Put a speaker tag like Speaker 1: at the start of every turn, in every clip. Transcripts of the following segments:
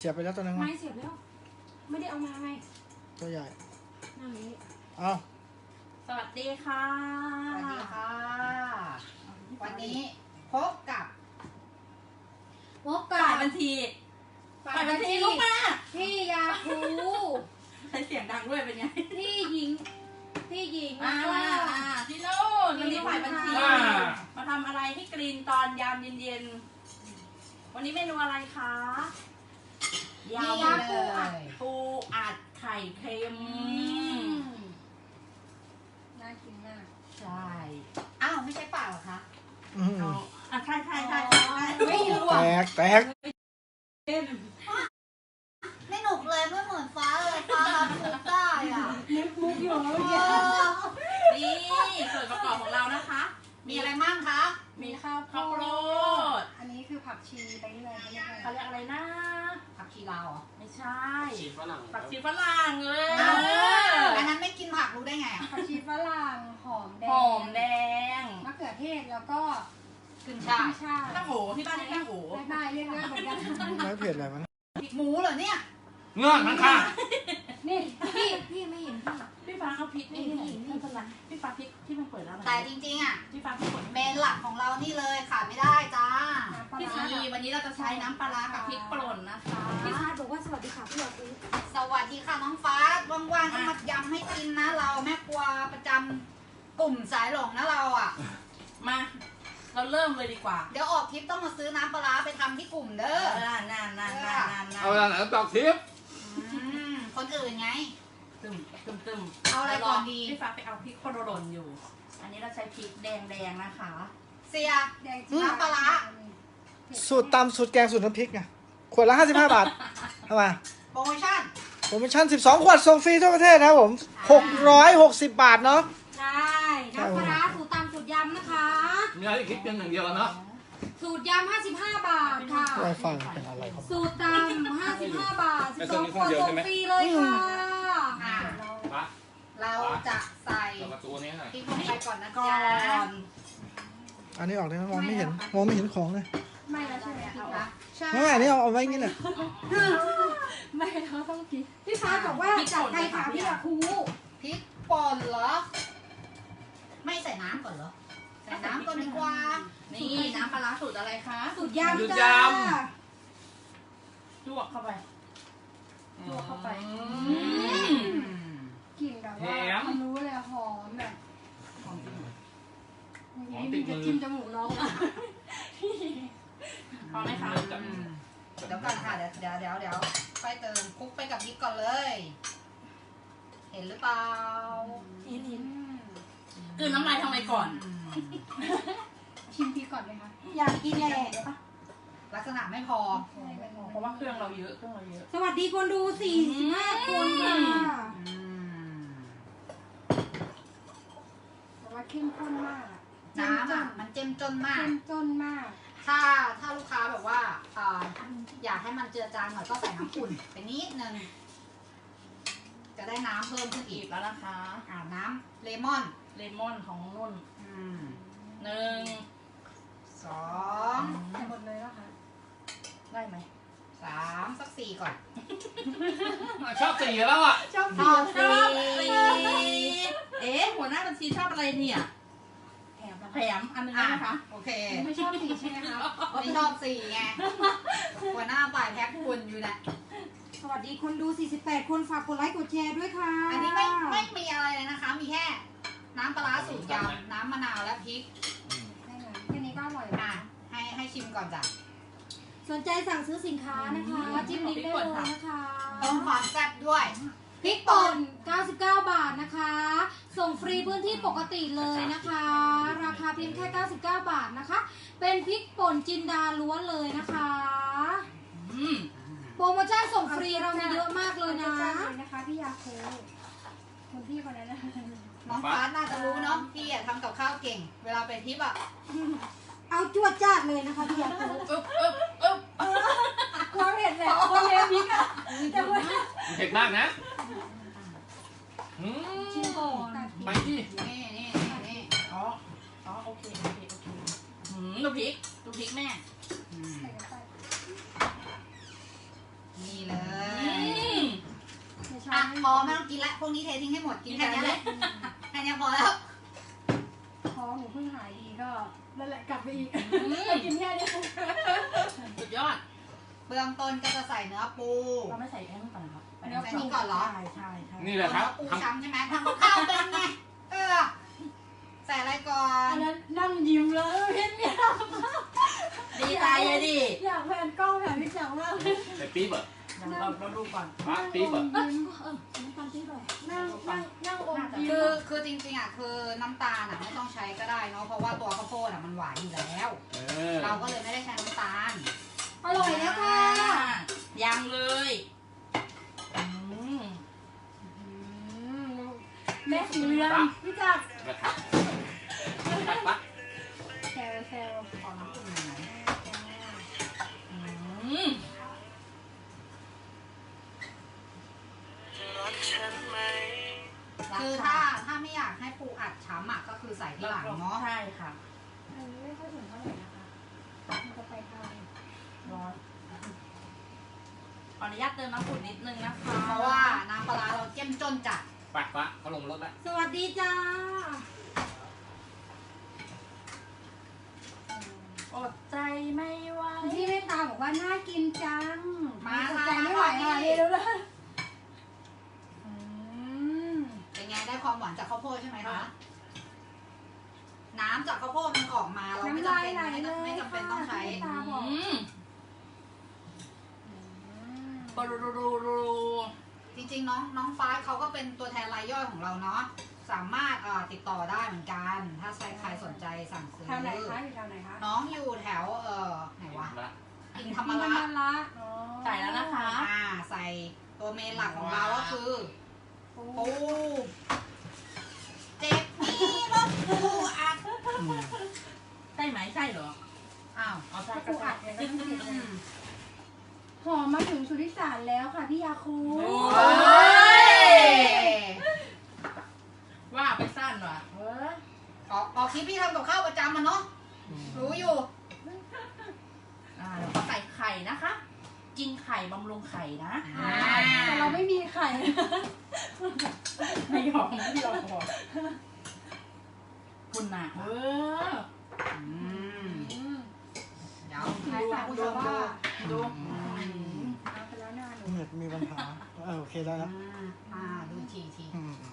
Speaker 1: เสียบไปแล้วตัวนึง
Speaker 2: ไม่เสียบแล้วไม่ได้เอามาไง
Speaker 1: ตัวใหญ่
Speaker 2: นั่งนี้
Speaker 1: เอา
Speaker 3: สวัสดีค่ะ
Speaker 4: สวัสดีค่ะ วันนี้พบกับ
Speaker 3: ฝ่ายบัญชีลุกมา
Speaker 2: พี่ยาคู
Speaker 3: ใช้เสียงดังด้วยเป็นไง
Speaker 2: พี่หญิง
Speaker 3: มาพี่โน่นวันนี้ฝ่ายบัญชีมาทำอะไรให้กรีนตอนยามเย็นๆวันนี้เมนูอะไรคะยำปูอัดไข่เค็ม
Speaker 2: น่ากินมาก
Speaker 3: ใช่
Speaker 4: อ้าวไม่ใช่เปล่าเหรอคะ
Speaker 3: ใช่
Speaker 4: ไม่รู้
Speaker 1: แต
Speaker 4: อ่ะ
Speaker 1: ก
Speaker 4: ไม่หนุกเลยไม่เหมือนฟ้าเลยฟ้ารับมุกได้อ่ะ
Speaker 2: มุกอยู่
Speaker 3: นี่ส่วนประกอบของเรานะคะ
Speaker 4: มีอะไรมั่งคะ
Speaker 3: มีข้าวโพด
Speaker 2: อันนี้คือผักชีไปเรื่อย
Speaker 3: เขาเรียกอะไรนะ
Speaker 4: ผักชีลาวเหรอ
Speaker 3: ไม่ใช่
Speaker 5: ชีฝรั่ง
Speaker 3: ผักชีฝรั่งเลย
Speaker 4: อันนั้นไม่กินผักรู้ได้ไงอ่ะ
Speaker 2: ผักชีฝรั่งหอมแดง
Speaker 3: หอมแดง
Speaker 2: มะเขือเทศแล้วก็
Speaker 4: ขึ้นช่าย
Speaker 2: ชา
Speaker 3: ตั้งโหที่บ้านนี่ตั้งโห
Speaker 2: ได้เรียกง่ายเหมือนกัน
Speaker 1: ไม่เผ็ดอะไรมัน
Speaker 4: หมูเหรอเนี่ย
Speaker 5: เงื่อนข้าง
Speaker 2: นี่พี่ไม่เห็นพี่
Speaker 3: พี่ฟ้าเอาพริกนี่ไม่เป็นไรพี่ฟ้าพริกที่มันเปิดแล้ว
Speaker 4: แต่จริงๆอ่ะ
Speaker 3: พี่ฟ้าพริกเปิด
Speaker 4: เมนหลักของเรานี่เลยขาดไม่ได้จ้า
Speaker 3: พี่ฟ้าวันนี้เราจะใช้น้ำปลาร้ากับพริกป่นนะคะ
Speaker 2: พี่ชาบอกว่าสวัสดีค่ะพี่ยาคู
Speaker 4: สวัสดีค่ะน้องฟ้าว่างๆก็มายำให้กินนะเราแม่ครัวประจำกลุ่มสายหลงนะเราอ่ะ
Speaker 3: มาเราเริ่มเลยดีกว่า
Speaker 4: เดี๋ยวออกทริปต้องมาซื้อน้ำปลาร้าไปทำที่กลุ่มเด้อ
Speaker 3: นาน
Speaker 5: ๆเอาเวลาไหนตอกทิป
Speaker 4: คนอื่นไง
Speaker 3: ตึม
Speaker 4: เอาอะไรก่อนดี
Speaker 3: พี่ฟ้าไปเอาพริกป่นอยู่ อันนี้เราใช้พริกแดงนะคะ
Speaker 4: เสีย
Speaker 2: แดง
Speaker 4: น้ำปลาร้า
Speaker 1: สูตรตำสูตรแกงสูตรน้ำพริกไงขวดละ55 บาททำไม
Speaker 4: โปรโมชั่น
Speaker 1: โปรโมชั่น12 ขวดส่งฟรีทั่วประเทศนะครับผม660 บาทเนาะ
Speaker 2: ใช่น้ำปลาร้าสูตรตำสูตรยำนะคะ
Speaker 5: มีอะไรคิดกันอย่างเดียวเนาะ
Speaker 2: สูตรยำ55 บาทค่ะ
Speaker 1: ไวไฟเป็นอะไรครับ
Speaker 2: สูตรตำ55 บาท12 ขวดส่งฟรีเลยค่ะ
Speaker 4: อ่า
Speaker 5: ปะ
Speaker 4: เราจะใส่
Speaker 5: เปิดประตูนี้หน่อย
Speaker 4: พริกลงไปก่อนนะ
Speaker 3: ก่อ
Speaker 4: จ๊ะ
Speaker 3: น
Speaker 1: อันนี้ออกได้ไหมมองไม่เห็นของเลย
Speaker 2: ไม่แล้วใช่ไหมพี่คะ
Speaker 4: ใช่
Speaker 1: ไม่อันนี้เอาไว้อย่างนี้เลย
Speaker 2: ไม่เราต้องกินพี่ฟ้าบอกว่าจัดไปค่ะพี่ยาคู
Speaker 4: พริกป่นเหรอ ไม่ใส่น้ำก่อนเหรอ ใส่น้ำก่อนดีกว่า
Speaker 3: นี่น้ำปลาร้าสูตรอะไรคะ
Speaker 2: สูตรยำจ้า
Speaker 3: ลวกเข้าไปลวกเข้าไป
Speaker 2: กลิ่นแบบว่ารู้เลยหอมแบบ
Speaker 3: หอมจริง
Speaker 2: นี่มีจะจิ้มจมูกน้องอ่ะ
Speaker 3: พอไหมคะ
Speaker 4: เดี๋ยวก่อนค่ะเดี๋ยวไปเติมคลุกไปกับพริกก่อนเลย เห็นหรือเปล่า
Speaker 2: เห็น
Speaker 3: คือน้ำลายทำไมก่อน
Speaker 2: ชิมพริกก่อนเลยค่ะอยากกินแหละ
Speaker 4: ลักษณะไม่พอ
Speaker 3: เพราะว่าเครื่องเราเยอะ
Speaker 2: สวัสดีคนดู45 คนค่ะแต่ว่าเข้มข้นมาก
Speaker 4: น้ำอ่ะมันเจ้มจนมาก
Speaker 2: เข้มข้นมาก
Speaker 4: ถ้าลูกค้าแบบว่าอยากให้มันเจือจางหน่อยก็ใส่น้ำอุ่นไปนิดนึง จะได้น้ำเพิ่มขึ้น
Speaker 3: อี
Speaker 4: อี
Speaker 3: ก
Speaker 4: ก
Speaker 3: แล้วนะคะ
Speaker 4: น้ำเลมอน
Speaker 3: เลมอนของนุ่น 1
Speaker 4: 2
Speaker 2: ใส่หมดเลยแล้วค่ะ
Speaker 3: ได้ไหม
Speaker 4: 3สัก4ก่อน
Speaker 5: ชอบสีแล้วอ่ะ
Speaker 2: ชอบ
Speaker 4: ชอบ
Speaker 3: ชอบ
Speaker 4: 4
Speaker 3: เอ๊ะหัวหน้าบัญชีชอบอะไรเนี่ย
Speaker 2: แถมแล้ว
Speaker 3: แถมอันนึงนะคะ
Speaker 4: โอเค
Speaker 2: ไม่ชอบสีใช่ไหมคะ
Speaker 4: ไม่ชอบ4ไงหัวหน้าฝ่ายแพ็คคุณอยู่นะ
Speaker 2: สวัสดีคนดู48 คนฝากกดไลค์กดแชร์ด้วยค่ะ
Speaker 4: อันนี้ไม่มีอะไรเลยนะคะ มีแค่น้ำปลาร้าสูตรยำน้ำมะนาวและพริก
Speaker 2: ได้เลยแค่นี้ก็อร่อย
Speaker 4: อ่ะให้ชิมก่อนจ้ะ
Speaker 2: สนใจสั่งซื้อสินค้านะคะจิ้มลิงก์ได้เลยนะคะ
Speaker 4: เพิ่มความแซ่บด้วย
Speaker 2: พริกป่น99 บาทนะคะ ส่งฟรีพื้นที่ปกติเลยนะคะ ราคาเพียงแค่99 บาทนะคะ เป็นพริกป่นจินดาล้วนเลยนะคะ โปรโมชั่นส่งฟรีเรามีเยอะมากเลยนะนะคะพี่ยาคูคุณพี่คนนั้นนะ
Speaker 4: น้องฟ้าน่าจะรู้เนาะพี่ทำกับข้าวเก่ง เวลาไปทริปอ่ะ
Speaker 2: เอาจวดจ้าดเลยนะคะพี่ยาคู ความเห็นแหละความเห็นพริกอะแต่ว่า
Speaker 5: เผ็ดมากนะ
Speaker 2: ชิมก่อน
Speaker 5: ไปดิ
Speaker 4: นี่
Speaker 3: อ๋อโอเคดูพริกแม่
Speaker 4: นี่เลย
Speaker 2: ไม่ใช่
Speaker 4: อ่ะพอไม่ต้องกินละพวกนี้เททิ้งให้หมดกินแค่นี้แหละแค่นี้พอแล้ว
Speaker 2: ท้องหนูเพิ่งหายดีก็นั่นแหละกลับไปอีกกินแค่นี้
Speaker 3: สุดยอด
Speaker 4: เบื้องต้นก็จะใส่เนื้อปู
Speaker 3: เราไม่ใส่แป้งก่อนนะครับ
Speaker 4: เนื้อปูก่อนเหรอ
Speaker 3: ใช่
Speaker 5: นี่แหละครับ
Speaker 4: เนื้อปู
Speaker 5: ทำ
Speaker 4: ช้ำใช่ไหมทำกับข้าวเป็นไงใส่อะไรก่อน
Speaker 2: อันนั้นนั่งยิ้มแล้วเห็นเนี่ย
Speaker 3: ดีใจเลยดิ
Speaker 2: อยากแพนกล้องแพนพี่จังมาก
Speaker 5: ใส่ปี๊บเหรอ
Speaker 3: เราดูก่อน
Speaker 5: ป้าปี๊บเหรอ
Speaker 2: ยิ้มน้ำตาลปี๊บเลยนั่งอมยิ้ม
Speaker 4: คือจริงๆอ่ะคือน้ำตาลอ่ะไม่ต้องใช้ก็ได้เนาะเพราะว่าตัวข้าวโพดอ่ะมันหวานอยู่แล้ว เราก็เลยไม่ได้ใช้น้ำตาล
Speaker 2: อร่อยแล้วค่ะ
Speaker 3: ยังเลย
Speaker 2: แม่สีเรือนพี่จักร
Speaker 5: นะครับตักปะ
Speaker 2: แซว
Speaker 4: ขอน้ำอุ่นหน่อย คือถ้าไม่อยากให้ปูอัดช้ำอ่ะก็คือใส่ที่หลังเนาะ
Speaker 3: ใช่ค่ะ
Speaker 2: อันนี้ไม่ค่อยถึงเท่าไหร่นะคะมันจะไปทาง
Speaker 3: ร้อนขออนุญาตเติมน้ำอุ่นนิดนึงนะคะ
Speaker 4: เพราะว่าน้ำปลาร้าเราเจ้มจนจัด
Speaker 5: ไปปะเขาลงรถแล้ว
Speaker 2: สวัสดีจ้า
Speaker 3: อดใจไม่ไหว
Speaker 2: พี่เมตตาบอกว่าน่ากินจัง
Speaker 4: มา
Speaker 2: อด
Speaker 4: ค่ะ
Speaker 2: ใจไม่ไหวค่ะนี่ดูเลย
Speaker 4: เป็นไงได้ความหวานจากข้าวโพดใช่ไหมคะน้ำจากข้าวโพดมันออกมาเราไม่
Speaker 2: น้ำ
Speaker 4: จำ
Speaker 2: ลาย
Speaker 4: เป็น
Speaker 2: ไหลเลย
Speaker 4: ไม่จำเป็นต้องใช้
Speaker 2: พี่เมตตาบอก
Speaker 3: ปรู
Speaker 4: จริงๆน้องฟ้าเขาก็เป็นตัวแทนรายย่อยของเราเนาะสามารถติดต่อได้เหมือนกัน ถ้าใครสนใจสั่งซื้อ
Speaker 2: แถวไหนคะอยู่แถวไหนคะ
Speaker 4: น้องอยู่แถวไหนวะ
Speaker 5: มาละ
Speaker 4: อินธรรม
Speaker 2: ธร
Speaker 4: ระ
Speaker 2: รมระ
Speaker 3: ใส่แล้วนะคะ
Speaker 4: ใส่ตัวเมนหลักของเราก็คือปูเจ็บนี่รถปูอัด
Speaker 3: ใช่ไหมใช่เหรอ
Speaker 4: อ้าว
Speaker 3: เอาใช่
Speaker 2: ถ้า
Speaker 3: ก็
Speaker 2: ปู
Speaker 3: ใช่
Speaker 2: อัดเนี่ยก็ต้องติดเลยหอมมาถึงสุริสารแล้วค่ะพี่ยาคู
Speaker 3: โอ้
Speaker 4: โอ้ย
Speaker 3: ว่าไปสั้นว่ะ
Speaker 4: ออกคลิปพี่ทำกับข้าวประจำมันเนาะรู้อยู่
Speaker 3: แล้วก็ใส่ไข่นะคะ กินไข่บำรุงไข่นะ
Speaker 2: แต่เราไม่มีไข่
Speaker 3: ไม่ยอมบอกคุณน่ะ
Speaker 4: เดี๋ยว
Speaker 2: ขายฝาก
Speaker 4: ผู้
Speaker 2: ดู
Speaker 4: ชม
Speaker 2: ว่า
Speaker 3: ดู
Speaker 2: เอาไปแล้วหน้าหนู
Speaker 1: เน็ตมีปัญหาโอเคได้แล้ว
Speaker 4: ดูที
Speaker 1: อืม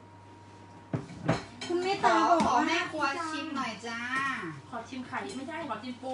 Speaker 2: คุณเมต
Speaker 4: ข
Speaker 2: ตา
Speaker 4: อ
Speaker 2: บอก
Speaker 4: ขอ
Speaker 2: ว่า
Speaker 4: แม่ครัวชิมหน่อยจ้า
Speaker 3: ขอชิมไข่ไม่ใช่ขอชิมปู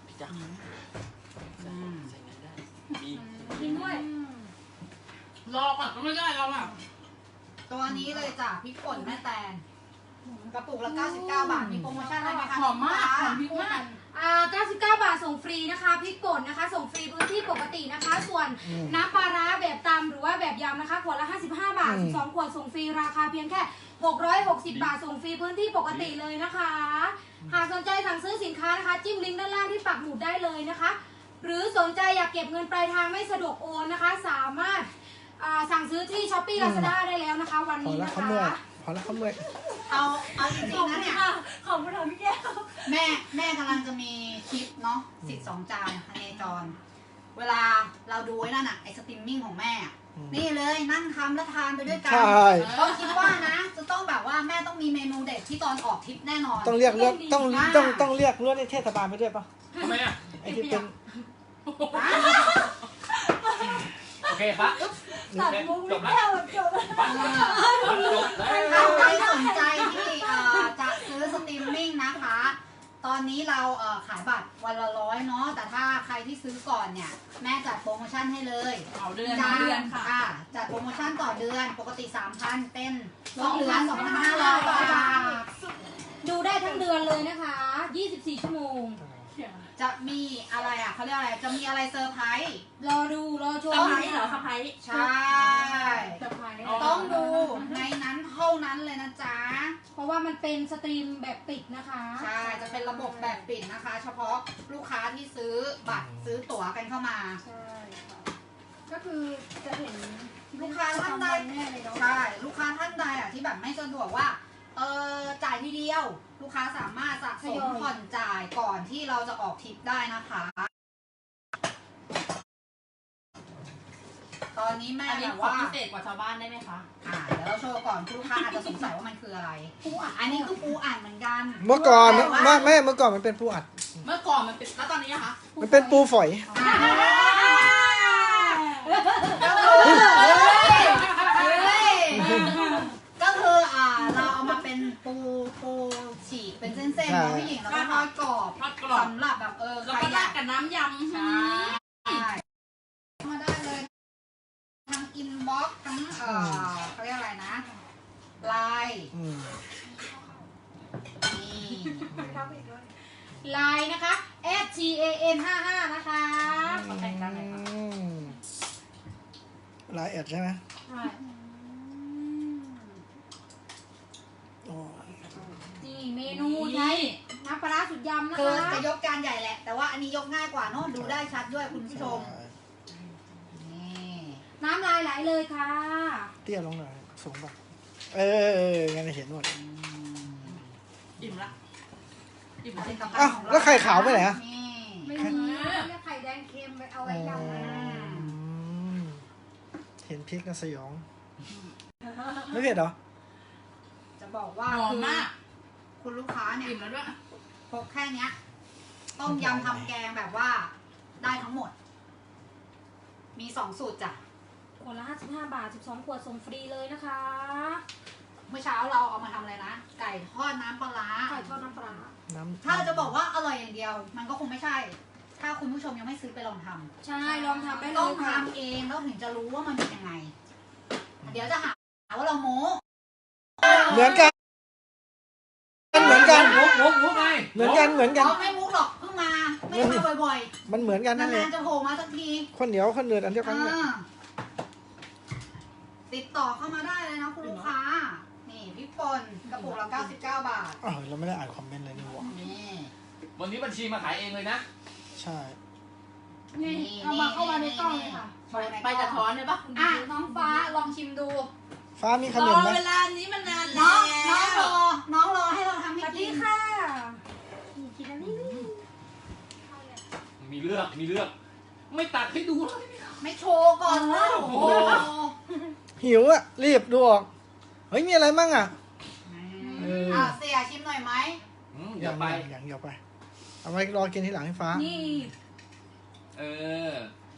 Speaker 2: กินด้วย
Speaker 3: รอก่อนก็ไม่ได้เราอ่ะ
Speaker 4: ตัวนี้เลยจ้ะพริกป่นแม่แตนกระปุกละ99 บาทมีโปรโมชั่นอะไรไหมคะ
Speaker 3: หอมมากหอมพริกมาก
Speaker 2: 99 บาทส่งฟรีนะคะพริกป่นนะคะ ส่งฟรีพื้นที่ปกตินะคะ ส่วนน้ำปลาร้าแบบตำหรือว่าแบบยำนะคะขวดละ55 บาท12ขวดส่งฟรีราคาเพียงแค่660 บาทส่งฟรีพื้นที่ปกติเลยนะคะ หากสนใจสั่งซื้อสินค้านะคะจิ้มลิงก์ด้านล่างที่ปักหมุดได้เลยนะคะ หรือสนใจอยากเก็บเงินปลายทางไม่สะดวกโอนนะคะ สามารถสั่งซื้อที่ Shopee Lazada ได้แล้วนะคะ วัน
Speaker 1: พอ
Speaker 2: นี้
Speaker 1: แล้ว
Speaker 2: นะ
Speaker 1: เขาเมื่อย
Speaker 2: คะ
Speaker 1: พอแล้วเขาเมื่อย
Speaker 4: เอาจริงๆนะเนี่ย
Speaker 2: ขอบคุณค่ะพี่แก้ว
Speaker 4: แม่กำลังจะมีคลิปเนาะสิทธิ์2 จานพเนจร เวลาเราดูไอ้นั่นอะไอสตรีมมิ่งของแม่อะนี่เลยนั่งทำแล้วทานไปด้วยกัน
Speaker 1: ใช่
Speaker 4: ก็คิดว่านะ จะต้องแบบว่าแม่ต้องมีเมนูเด็ดที่ตอนออกทริปแน่นอน
Speaker 1: ต้องเรียกเลือดต้องเรียกเลือดในเทศบาลไปด้วยป่ะ
Speaker 5: ทำไมอ่ะ
Speaker 1: ไอ้ที่เป็น
Speaker 5: โอเคปะ
Speaker 2: ตัดมุก
Speaker 5: จ
Speaker 2: พี่
Speaker 5: บแล้ว
Speaker 2: แก้วจบ
Speaker 5: ปะจบแล้ว
Speaker 4: ถ้าใครสนใจที่จะซื้อสตรีมมิ่งนะคะ ตอนนี้เราขายบัตรวันละ100เนาะแต่ถ้าใครที่ซื้อก่อนเนี่ยแม่จัดโปรโมชั่นให้เลย
Speaker 3: เอาเดือน
Speaker 4: จั
Speaker 3: เดือนค่ะ
Speaker 4: จัดโปรโมชั่นต่อเดือนปกติ 3,000 เป็น2 เดือน 2,500 บาท
Speaker 2: ดูได้ทั้งเดือนเลยนะคะ 24 ชั่วโมง
Speaker 4: จะมีอะไรอ่ะเขาเรียกอะไรจะมีอะไรเซอร์ไพรส์
Speaker 2: รอดูรอช
Speaker 3: สะ
Speaker 2: ม
Speaker 3: พายเหรอสะพาย
Speaker 4: ใช่
Speaker 2: เซอร์ไพรส์
Speaker 4: ต้องดูในนั้นเท่านั้นเลยนะจ๊ะ
Speaker 2: เพราะว่ามันเป็นสตรีมแบบปิดนะคะ
Speaker 4: ใช่ จะเป็นระบบแบบปิดนะคะ เฉพาะลูกค้าที่ซื้อบัตรซื้อตั๋วกันเข้ามา
Speaker 2: ใช่ค่ะก็คือจะเห็น
Speaker 4: ลูกค้าท่านใด
Speaker 2: แน่เลยเนาะ
Speaker 4: ใช่ ลูกค้าท่านใดอ่ะที่แบบไม่สะดวกว่าจ่ายทีเดียว ลูกค้าสามารถสะสมผ่อนจ่ายก่อนที่เราจะออกทริปได้นะคะตอนนี้แม่
Speaker 3: อัน
Speaker 4: แบ
Speaker 3: นี้
Speaker 4: บ
Speaker 3: ขอ
Speaker 4: ว่า
Speaker 3: พิเศษกว่าชาวบ้านได้ไหมคะ
Speaker 4: เดี๋ยวเราโชว์ก่อนคุณลูกค้าอาจจะสงสัยว่ามันคืออะไรปูอัดอันนี้คือปูอัดเหมือนกัน
Speaker 1: เมื่อก่อน
Speaker 4: แต่ว่า
Speaker 1: ไม่เมื่อก่อนมันเป็นปูอัด
Speaker 3: เมื่อก่อนมันเป็นแล้วตอนนี้อะคะ
Speaker 1: มันเป็นปูฝอย
Speaker 4: ก็คือเราเอามาเป็นปูฉีกเป็นเส้นๆนะพี่หญิงแล้วก็ทอดกรอบ
Speaker 3: ทอดกรอบ
Speaker 4: สำหรับแบบ
Speaker 3: แล้ว
Speaker 4: ใคร
Speaker 3: ก็
Speaker 4: อ
Speaker 3: ราด
Speaker 4: ยาก
Speaker 3: กับน้ำยำ
Speaker 4: ใช่มาได้เลยทั้งอินบ็อกซ์ทั้งเขาเรียกอะไรนะไลน์
Speaker 1: อืม
Speaker 4: นี่
Speaker 2: ไลน์นะคะ @tan55 นะคะ
Speaker 3: ขอแต่งกันหน่อยค่ะ
Speaker 1: ลายแอดใช่ไหม
Speaker 2: ใช่
Speaker 1: โอ้ย
Speaker 2: นี่เมนูใช้น้ำปลาร้าสุดยำนะ
Speaker 4: คือ
Speaker 2: คะ
Speaker 4: จะยกจานใหญ่แหละ แต่ว่าอันนี้ยกง่ายกว่าเนอะดูได้ชัดด้วยคุณผู้ชมนี่
Speaker 2: น้ำลายไหลเลยค่ะ
Speaker 1: เตี้ยลงหน่อยสูงป่ะงั้นเห็นหมด
Speaker 3: อิ่มละอิ่ม
Speaker 4: ผ
Speaker 3: ละ
Speaker 4: ลิตภัณ
Speaker 1: อ้าว
Speaker 4: ฑ์ของเรา
Speaker 1: แล้วไข่ขาวไปไหนอะ
Speaker 4: นี่
Speaker 2: ไม่มีเรียกไข่แดงเค็มไปเอาไว้ยำนะ
Speaker 1: เห็นพริกนะสยอง ไม่เผ็ดเหรอ
Speaker 4: จะบอกว่า
Speaker 3: หอมมาก
Speaker 4: คุณลูกค้าเนี่ย
Speaker 3: อิ่มแล้วด้วย
Speaker 4: พกแค่เนี้ยต้มยำทำแกงแบบว่าได้ทั้งหมด มี2 สูตรจ้ะ
Speaker 2: ขวดละ55 บาท 12 ขวดส่งฟรีเลยนะคะ
Speaker 4: เมื่อเช้าเราเอามาทำอะไรนะ ไก่ทอดน้ำปลาร้า
Speaker 2: ไข่ทอดน้ำปลาร้า
Speaker 4: ถ้าจะบอกว่าอร่อยอย่างเดียว มันก็คงไม่ใช่ ถ้าคุณผู้ชมยังไม่ซื้อไปลองทำ
Speaker 2: ใช่ลองทำได้เล
Speaker 4: ต้อง
Speaker 2: ยค่ะ
Speaker 4: ทำเองแล้วถึงจะรู้ว่ามันเป็นยังไง เดี๋ยวจะหาว่าเราโม้
Speaker 1: เหมือนกัน เหมือนกัน
Speaker 5: มุกไง
Speaker 1: เหมือนกันเหมือนกัน
Speaker 4: เขาไม่มุกหรอกเพิ่งมาไม่ได้มาบ่อย
Speaker 1: มันเหมือนกัน
Speaker 4: ๆ
Speaker 1: นั่นแหละ
Speaker 4: นานๆจะโผล่มาสักที
Speaker 1: คนเหนียวคนเนือดอันเดียวกันเลย
Speaker 4: ติดต่อเข้ามาได้เลยนะคุณลูกค้า นี่พริกป่นกระปุกละ99 บาท
Speaker 1: อ้าวเราไม่ได้อ่านคอมเมนต์เลยนี่หว่า
Speaker 4: นี่
Speaker 5: วันนี้บัญชีมาขายเองเลยนะ
Speaker 1: ใช่
Speaker 2: นี่เอามาเข้ามาในกล้องเลยค่ะ
Speaker 3: ไปกระท้อนเลยปะ
Speaker 4: อ่ะน้องฟ้าลองชิมดู
Speaker 1: ฟ้ามีข
Speaker 3: ร
Speaker 1: น
Speaker 3: อ
Speaker 1: มไหม
Speaker 3: เวลานี้มันนาน
Speaker 4: น้
Speaker 3: แล้
Speaker 4: องน้อง
Speaker 3: ว
Speaker 4: รอให้เราทำ
Speaker 2: ส
Speaker 4: ให้
Speaker 2: วัส
Speaker 4: กิ
Speaker 2: ดี
Speaker 4: น
Speaker 2: ค่ะกินอันนี้
Speaker 5: มีเลือก ไม่ตัดให้ดูเลย
Speaker 4: ไม่โชว์ก่อนแล้ว
Speaker 5: โอ้
Speaker 4: โอ้
Speaker 5: โห
Speaker 4: โห
Speaker 1: หิวอะรีบดูออก เฮ้ยมีอะไรมั่งอะ
Speaker 4: เสียชิมหน่อยไหม
Speaker 5: อย่าไป
Speaker 1: อย่างเดียวไป เอาไว้รอกินทีหลังให้ฟ้า
Speaker 2: นี่
Speaker 5: เออ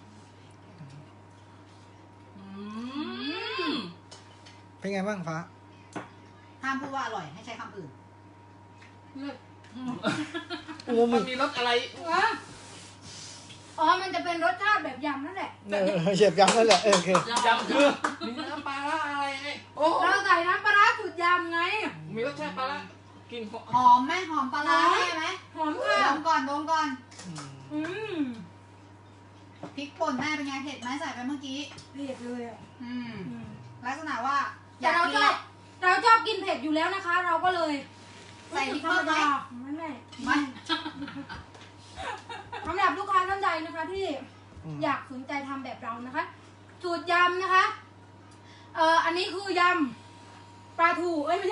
Speaker 1: เป็นไงบ้างฟ้า
Speaker 4: ห้ามพูดว่าอร่อยให้ใช้คำอื่น
Speaker 1: อูมา
Speaker 5: มั
Speaker 1: มิ
Speaker 5: นมีรสอะไร
Speaker 2: อ๋อ มันจะเป็นรสชาติแบบยำนั่นแหละ
Speaker 1: เฉียบยำนั่นแหละโอเค
Speaker 5: ยำคือมีน้ำปลาร้าอะไรไงโอ้
Speaker 2: เราใส่น้ำปลาร้าสูตรยำไง
Speaker 5: มีรสชาติปลาร้ากิน
Speaker 4: หอมไหมหอมปลาร้าได้ไหม
Speaker 2: หอมค่ะ
Speaker 4: ดมก่อนดมก่อน
Speaker 2: อืม
Speaker 4: พริกป่นแม่เป็นไงเผ็ดไหมใส่ไปเมื่อกี้
Speaker 2: เผ็ดเลยอ่ะ
Speaker 4: ลักษณะว่าอ
Speaker 2: แต่
Speaker 4: ยาก
Speaker 2: เรา
Speaker 4: กิน
Speaker 2: ช
Speaker 4: แห
Speaker 2: อบ
Speaker 4: ละ
Speaker 2: เราชอบกินเผ็ดอยู่แล้วนะคะ เราก็เลย
Speaker 4: ใส่พริก
Speaker 2: ธร
Speaker 4: เพิ่
Speaker 2: รม
Speaker 4: มไหม
Speaker 2: ดาไม่แม่
Speaker 4: ไม่
Speaker 2: สำหรับลูกค้าท่านใดนะคะที่อยากสนใจทำแบบเรานะคะ สูตรยำนะคะ อันนี้คือยำปลาทูเอ้ยไม่ใช่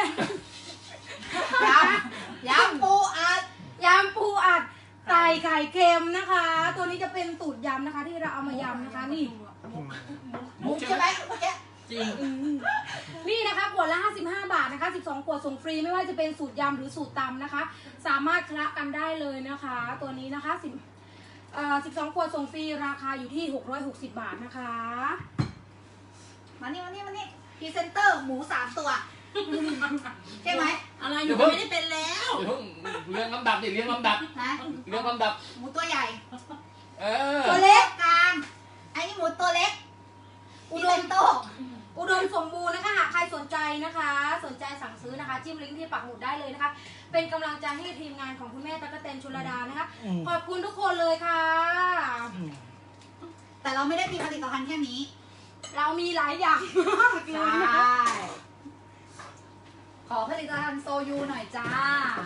Speaker 4: ยำปูอัด
Speaker 2: ยำปูอัดใส่ไข่เค็มนะคะ ตัวนี้จะเป็นสูตรยำนะคะ ที่เราเอามายำนะคะ นี่
Speaker 4: มุกใช่ไหมเมื่อกี้
Speaker 3: จริง
Speaker 2: นี่นะคะขวดละ55 บาทนะคะ12ขวดส่งฟรีไม่ว่าจะเป็นสูตรยำหรือสูตรตำนะคะ สามารถคละกันได้เลยนะคะ ตัวนี้นะคะ12ขวดส่งฟรีราคาอยู่ที่660 บาทนะคะ
Speaker 4: มานี่พรีเซนเตอร์หมู3 ตัวใช่ไหม
Speaker 3: อะไรหนูก็ไม่ได้เป็นแล้ว
Speaker 5: เดี๋ยวเพิ่งเรียงลำดับดิเรียงลำดับ
Speaker 4: นะ
Speaker 5: เรียงลำดับ
Speaker 4: หมูตัวใหญ่
Speaker 5: เออ
Speaker 2: ตัวเล็ก
Speaker 4: กลางไอ้นี่หมูตัวเล็กพรีเซนโต
Speaker 2: อุดมสมบูรณ์นะคะหากใครสนใจนะคะ สนใจสั่งซื้อนะคะจิ้มลิงก์ที่ปักหมุดได้เลยนะคะ เป็นกำลังใจให้ทีมงานของคุณแม่ตั๊กแตนชุลดานะคะ ขอบคุณทุกคนเลยค่ะ
Speaker 4: แต่เราไม่ได้มีผลิตภัณฑ์แค่นี้
Speaker 2: เรามีหลายอย่างมากเล
Speaker 4: ใช่
Speaker 2: ยนะคะ
Speaker 4: ขอผลิตภัณฑ์โซยูหน่อยจ้า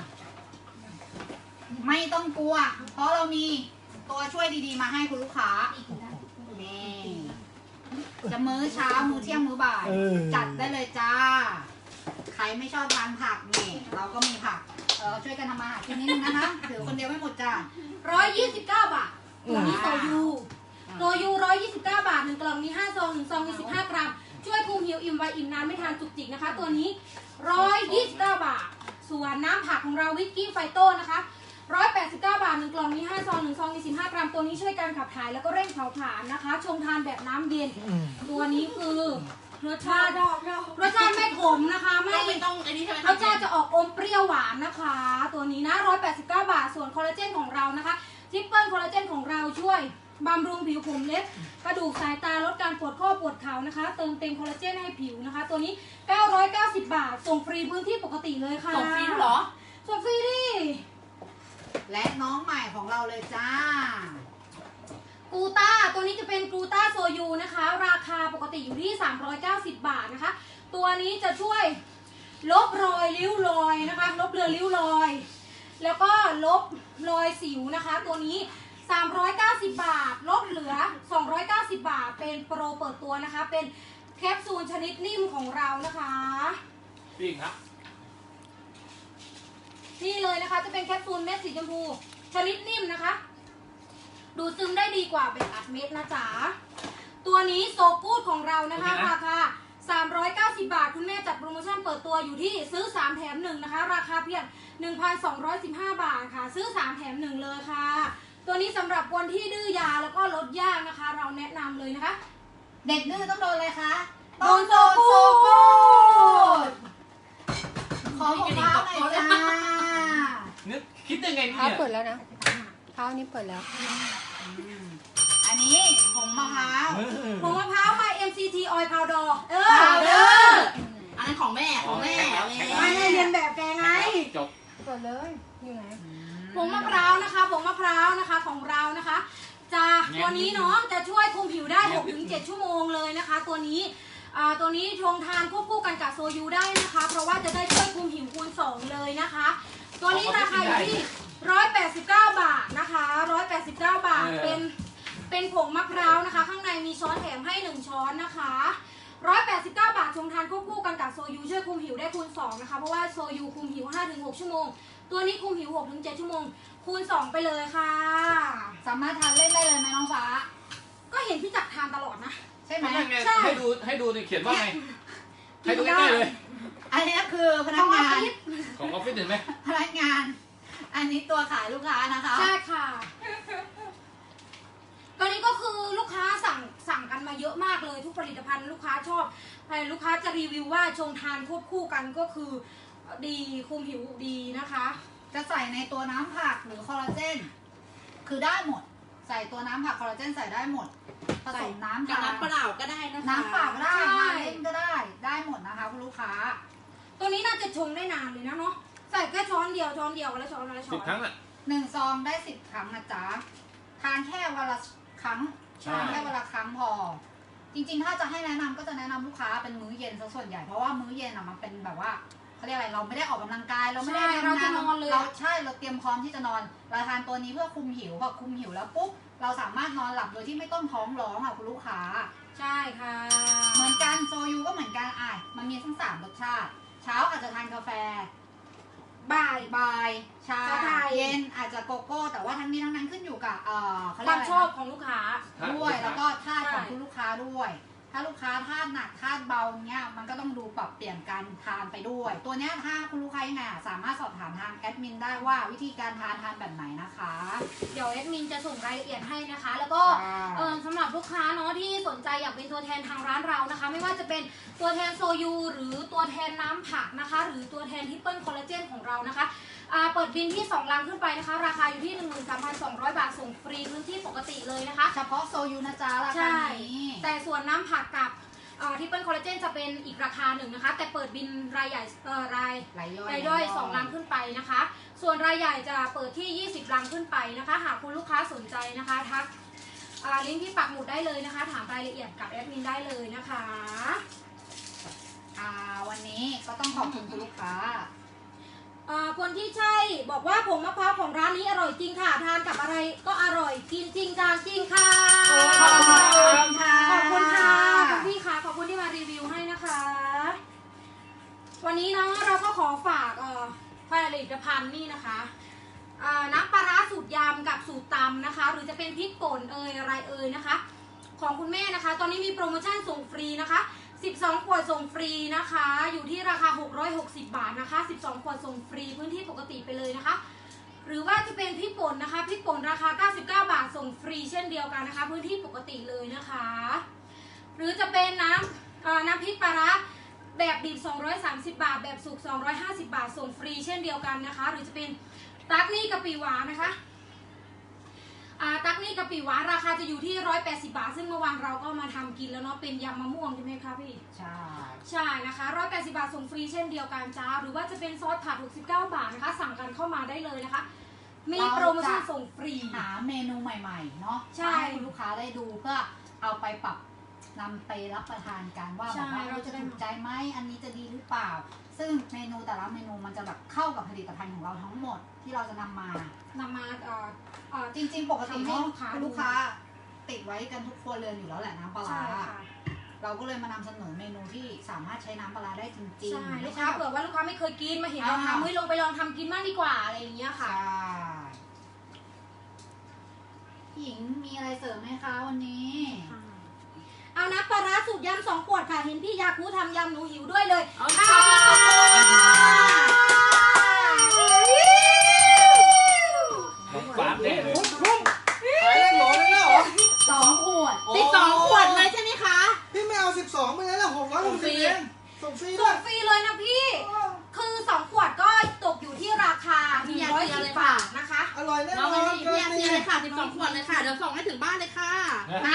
Speaker 4: ไม่ต้องกลัว เพราะเรามีตัวช่วยดีๆมาให้คุณลูกค้า นี่จะมื้อเช้า มื้อเที่ยง มื้อบ่าย จัดได้เลยจ้า ใครไม่ชอบทานผักนี่ เราก็มีผัก ช่วยกันทำมาหากินนิดนึงนะคะ ถือคนเดียวไม่หมดจ้า
Speaker 2: 129 บาทตัวนี้โซยูโซยู129 บาท1กล่องมี5ซอง1ซองมี15 กรัมช่วยคุมหิวอิ่มไวอิ่มนานไม่ทานจุกจิกนะคะ ตัวนี้129 บาทส่วนน้ำผักของเราวิกกี้ไฟโต้นะคะ189 บาท1กล่องมี5ซอง1ซองมี15 กรัมตัวนี้ช่วยการขับถ่ายแล้วก็เร่งเผาผลาญนะคะชงทานแบบน้ำเย็นตัวนี้คือรสชาติไม่ขมนะคะไม่
Speaker 3: ต้องอันนี้ใช่ไหม
Speaker 2: รสชาติจะออกอมเปรี้ยวหวานนะคะ ตัวนี้นะ189 บาทส่วนคอลลาเจนของเรานะคะทริปเปิลคอลลาเจนของเราช่วยบำรุงผิวผมเล็บกระดูกสายตาลดการปวดข้อปวดเข่านะคะเติมเต็มคอลลาเจนให้ผิวนะคะ ตัวนี้990 บาทส่งฟรีพื้นที่ปกติเลยค่ะ
Speaker 3: ส่งฟรีเหรอ
Speaker 2: ส่งฟรีดิ
Speaker 4: และน้องใหม่ของเราเลยจ้า
Speaker 2: กูต้าตัวนี้จะเป็นกูต้าโซยูนะคะราคาปกติอยู่ที่390 บาทนะคะตัวนี้จะช่วยลบรอยริ้วรอยนะคะลบเลือนริ้วรอยแล้วก็ลบรอยสิวนะคะตัวนี้390 บาทลดเหลือ290 บาทเป็นโปรเปิดตัวนะคะเป็นแคปซูลชนิดนิ่มของเรานะคะ
Speaker 5: ปิ้งครับ
Speaker 2: นี่เลยนะคะจะเป็นแคปซูลเม็ดสีชมพูชนิดนิ่มนะคะดูดซึมได้ดีกว่าเป็นอัดเม็ดนะจ๊ะตัวนี้โซกูดของเรานะคะราคา390 บาทคุณแม่จัดโปรโมชั่นเปิดตัวอยู่ที่ซื้อ3แถม1นะคะราคาเพียง 1,215 บาทค่ะซื้อ3แถม1เลยค่ะตัวนี้สำหรับคนที่ดื้อยาแล้วก็ลดยากนะคะเราแนะนำเลยนะคะ
Speaker 4: เด็กดื้อต้องโดนอะไรคะ
Speaker 2: โดนโซกูด
Speaker 4: ขอของเท้าหน่อยจ้า
Speaker 5: นึกคิดได้ไง
Speaker 6: เท้า
Speaker 5: เนี่ย
Speaker 6: เปิดแล้วนะเท้านี้เปิดแล้ว
Speaker 4: อันนี้ผงมะพร้าว
Speaker 2: ผงมะพร้าว My MCT Oil Powder
Speaker 4: พาวเดอร์
Speaker 3: อันนั้นของแม่ของแม่
Speaker 2: ไม่ได้เรียนแบบแกไง
Speaker 5: จบ
Speaker 6: เปิดเลยอยู่ไหน
Speaker 2: ผงมะพร้าวนะคะผงมะพร้าวนะคะของเรานะคะจะตัวนี้เนาะจะช่วยคุมผิวได้ 6-7 ชั่วโมงเลยนะคะตัวนี้ตัวนี้ชงทานควบคู่กันกับโซยูได้นะคะเพราะว่าจะได้ช่วยคุมผิวคูณ2เลยนะคะตัวนี้ราคาอยู่ที่189 บาทนะคะ189 บาทเป็นผงมะพร้าวนะคะข้างในมีช้อนแถมให้1ช้อนนะคะ189 บาทชงทานควบคู่กันกับโซยูช่วยคุมผิวได้คูณ2นะคะเพราะว่าโซยูคุมผิว 5-6 ชั่วโมงตัวนี้คุมผิว 6-7 ชั่วโมงคูณ2ไปเลยค่ะ
Speaker 4: สามารถทานเล่นได้เลยไหมน้องฟ้า
Speaker 2: ก็เห็นพี่จักรทานตลอดนะ
Speaker 4: ใช่ไหม
Speaker 5: ไม่ไง
Speaker 2: ใช่
Speaker 5: ให้ดูนี่เขียนว่าไง ให้ดูใกล้ๆเลย
Speaker 4: อันนี้คือพนักงาน
Speaker 5: ของออฟฟิศเห็นไหม
Speaker 4: พนักงาน อันนี้ตัวขายลูกค้านะคะ
Speaker 2: ใช่ค่ะตอนนี้ก็คือลูกค้าสั่งกันมาเยอะมากเลยทุกผลิตภัณฑ์ลูกค้าชอบลูกค้าจะรีวิวว่าชงทานควบคู่กันก็คือดีคุมผิวดีนะคะ
Speaker 4: จะใส่ในตัวน้ำผักหรือคอลลาเจน คือได้หมด ใส่ตัวน้ำผักคอลลาเจนใส่ได้หมด ผสมน้ำ
Speaker 3: กับ
Speaker 4: ทาน
Speaker 3: น้ำเปล่าก็ได้นะคะ
Speaker 4: น้ำเปล่าก็ได้
Speaker 2: ใช่
Speaker 4: น้ำเล่นก็ได้ ได้หมดนะคะคุณลูกค้า
Speaker 2: ตัวนี้น่าจะชงได้นานเลยนะเนาะใส่แค่ช้อนเดียววันละช้อนวันละช้
Speaker 5: 10
Speaker 2: อน
Speaker 5: ครั้งอ่ะ
Speaker 4: 1 ซองได้ 10 ครั้งนะจ๊ะ ทานแค่วันละครั้ง
Speaker 5: ใช่
Speaker 4: ทานแค่วันละครั้งพอ จริงๆ ถ้าจะให้แนะนำก็จะแนะนำลูกค้าเป็นมื้อเย็นซะส่วนใหญ่ เพราะว่ามื้อเย็นอ่ะมันเป็นแบบว่าเขาเรียกอะไร เราไม่ได้ออกกำลังกาย เราไม่ได้
Speaker 2: ใช่เราจะนอนเลย
Speaker 4: เราใช่ เราเตรียมพร้อมที่จะนอน เราทานตัวนี้เพื่อคุมหิว พอคุมหิวแล้วปุ๊บ เราสามารถนอนหลับโดยที่ไม่ต้องท้องร้องอ่ะคุณลูกค้า
Speaker 2: ใช่ค่ะ
Speaker 4: เหมือนกันโซยูก็เหมือนกันมันมีทั้ง3รสชาติ เช้าอาจจะทานกาแฟ
Speaker 2: บ่าย
Speaker 4: บ่าย ชา
Speaker 2: ชาไทย
Speaker 4: เย็นอาจจะโกโก้ แต่ว่าทั้งนี้ทั้งนั้นขึ้นอยู่กับเขา
Speaker 2: ค
Speaker 4: เรียก
Speaker 2: วาม
Speaker 4: อะไร
Speaker 2: ชอบ
Speaker 4: นะ
Speaker 2: ของลูกค้า
Speaker 4: ด้วยแล้วก็ธาตุ
Speaker 2: ใช่
Speaker 4: ของคุณลูกค้าด้วย ถ้าลูกค้าธาตุหนักธาตุเบาเนี้ยมันก็ต้องดูปรับเปลี่ยนการทานไปด้วย ตัวเนี้ยถ้าคุณลูกค้ายังไงสามารถสอบถามทางแอดมินได้ว่าวิธีการทานแบบไหนนะคะ
Speaker 2: เดี๋ยวแอดมินจะส่งรายละเอียดให้นะคะ แล้วก็ สำหรับลูกค้าเนาะที่สนใจอยากเป็นตัวแทนทางร้านเรานะคะ ไม่ว่าจะเป็นตัวแทนโซยูหรือตัวแทนน้ำผักนะคะ หรือตัวแทนทิปเปิลคอลลาเจนของเรานะคะเปิดบินที่2ลังขึ้นไปนะคะ ราคาอยู่ที่ 13,200 บาทส่งฟรีพื้นที่ปกติเลยนะคะ
Speaker 4: เฉพาะโซยูนะจ๊ะราคา
Speaker 2: ใช่
Speaker 4: นี้
Speaker 2: แต่ส่วนน้ำผักกับทิปเปิลคอลลาเจนจะเป็นอีกราคาหนึ่งนะคะ แต่เปิดบินรายใหญ่ราย
Speaker 4: ไหลย่อย
Speaker 2: รายย่อย2ลังขึ้นไปนะคะ ส่วนรายใหญ่จะเปิดที่ 20 ลังขึ้นไปนะคะ หากคุณลูกค้าสนใจนะคะทักลิงก์ที่ปักหมุดได้เลยนะคะ ถามรายละเอียดกับแอดมินได้เลยนะคะ
Speaker 4: วันนี้ก็ต้องขอบคุณคุณลูกค้า
Speaker 2: คนที่ใช่บอกว่าผงมะพร้าวของร้านนี้อร่อยจริงค่ะ ทานกับอะไรก็อร่อยกินจริงจานจริงค่ะ
Speaker 4: ขอบคุณค่ะ
Speaker 2: ขอบคุณค่ะคุณพี่ค่ะขอบคุณที่มารีวิวให้นะคะ วันนี้เนาะเราก็ขอฝากผลิตภัณฑ์นี่นะคะน้ำปลาร้าสูตรยำกับสูตรตำนะคะ หรือจะเป็นพริกป่นอะไรนะคะ ของคุณแม่นะคะ ตอนนี้มีโปรโมชั่นส่งฟรีนะคะ12 ขวดส่งฟรีนะคะ อยู่ที่ราคา660 บาทนะคะ12 ขวดส่งฟรีพื้นที่ปกติไปเลยนะคะ หรือว่าจะเป็นพริกป่นนะคะพริกป่นราคา99 บาทส่งฟรีเช่นเดียวกันนะคะ พื้นที่ปกติเลยนะคะ หรือจะเป็นน้ำพริกปลาร้าแบบดิบ230 บาทแบบสุก250 บาทส่งฟรีเช่นเดียวกันนะคะ หรือจะเป็นตักนี่กะปิหวานนะคะตักนี่กะปิหวานราคาจะอยู่ที่180 บาทซึ่งเมื่อวานเราก็มาทำกินแล้วเนาะเป็นยำมะม่วงใช่ไหมคะพี่
Speaker 4: ใช่
Speaker 2: ใช่นะคะ180 บาทส่งฟรีเช่นเดียวกันจ้าหรือว่าจะเป็นซอสผัด69 บาทนะคะสั่งกันเข้ามาได้เลยนะคะมีโปรโมชั่นส่งฟรี
Speaker 4: หาเมนูใหม่ๆเนาะ
Speaker 2: ใช่
Speaker 4: ให้คุณลูกค้าได้ดูเพื่อเอาไปปรับนำไปรับประทานกันว่า
Speaker 2: ใช่
Speaker 4: แบบว่า
Speaker 2: เรา
Speaker 4: เรา
Speaker 2: จะ
Speaker 4: จะ
Speaker 2: ได้
Speaker 4: ถูกใจไหมอันนี้จะดีหรือเปล่า ซึ่งเมนูแต่ละเมนูมันจะแบบเข้ากับผลิตภัณฑ์ของเราทั้งหมดที่เราจะนำมา
Speaker 2: นำมา
Speaker 4: จริงๆ ปกติ
Speaker 2: ทำให้
Speaker 4: เนาะ
Speaker 2: ลูกค้า
Speaker 4: ลูกค้าติดไว้กันทุกครัวเรือนอยู่แล้วแหละน้ำปลา
Speaker 2: ใช่
Speaker 4: ร้า
Speaker 2: ค่ะ
Speaker 4: เราก็เลยมานำเสนอเมนูที่สามารถใช้น้ำปลาร้าได้จริง
Speaker 2: ใช่
Speaker 4: ๆ
Speaker 2: ลู
Speaker 4: ไม่
Speaker 2: ก
Speaker 4: ใช่
Speaker 2: ค้า
Speaker 4: แบบ
Speaker 2: เผื่อว่าลูกค้าไม่เคยกินมาเห็นเรา
Speaker 4: อ่า
Speaker 2: ทำเฮ้ยลงไปลองทำกินบ้างดีกว่าอะไรอย่างเงี้ย
Speaker 4: ใช่
Speaker 2: ค่ะ
Speaker 4: พี่หญิงมีอะไรเสริมไหมคะวันนี้
Speaker 2: เอานะปลาร้าสูตรยำ2 ขวดค่ะเห็นพี่ยาคูทำยำหนูหิวด้วยเลย
Speaker 3: เอา
Speaker 2: อ่า
Speaker 5: น้องฟ้าแน่เลย
Speaker 1: ขายได้หมดเลยเหรอ
Speaker 4: 2 ขวด
Speaker 3: ติด2 ขวดเลยใช่ไหมคะ
Speaker 1: พี่ไม่เอา12ไปเลยแล้ว660เองส่งฟรีด้
Speaker 2: ส่
Speaker 1: วย
Speaker 2: งฟรีเลยนะพี่ คือ2 ขวดก็ตกอยู่ที่ราคา110 บาทนะคะ
Speaker 1: อร่อยแน่น
Speaker 3: น้อง
Speaker 1: อ
Speaker 3: อัน
Speaker 1: น
Speaker 3: นี้พี่อาเซียเลยค่ะ12 ขวดเลยค่ะ เดี๋ยวส่งให้ถึงบ้านเลยค่ะ
Speaker 4: นะ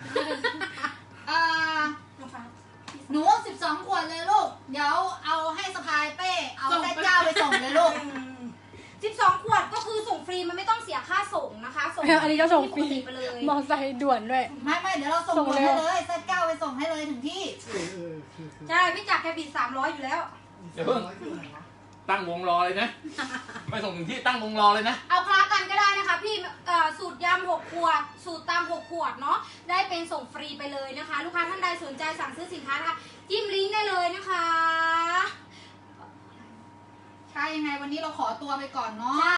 Speaker 4: หนู12 ขวดเลยลูก เดี๋ยวเอาให้สะพายเป้ เอา
Speaker 3: ส่ง
Speaker 4: แม่
Speaker 3: ไป
Speaker 4: เจ้าไปส่งเลยลูก
Speaker 2: 12 ขวดก็คือส่งฟรีมันไม่ต้องเสียค่าส่งนะคะส่ง
Speaker 6: อันนี้ก็ส่งฟรี
Speaker 2: ที่ปกติไปเลย
Speaker 6: มอไซค์ด่วนด้วย
Speaker 4: ไม่เดี๋ยวเราส่ง
Speaker 6: ส่ง
Speaker 4: ด่วน
Speaker 6: เร็
Speaker 4: ให้
Speaker 6: ว
Speaker 4: เลยแม่เจ้าไปส่งให้เลยถึงที่
Speaker 2: ใช่พี่จักรแกบิด300อยู่แล้ว
Speaker 5: เดี๋ยวเพิ่งตั้งวงรอเลยนะ ไม่ส่งถึงที่ตั้งวงรอเลยนะ
Speaker 2: เอาคลากันก็ได้นะคะพี่สูตรยำ6 ขวด สูตรตำ6 ขวดเนาะได้เป็นส่งฟรีไปเลยนะคะ ลูกค้าท่านใดสนใจสั่งซื้อสินค้านะคะจิ้มลิงก์ได้เลยนะคะ
Speaker 4: ใช่ยังไงวันนี้เราขอตัวไปก่อนเนาะ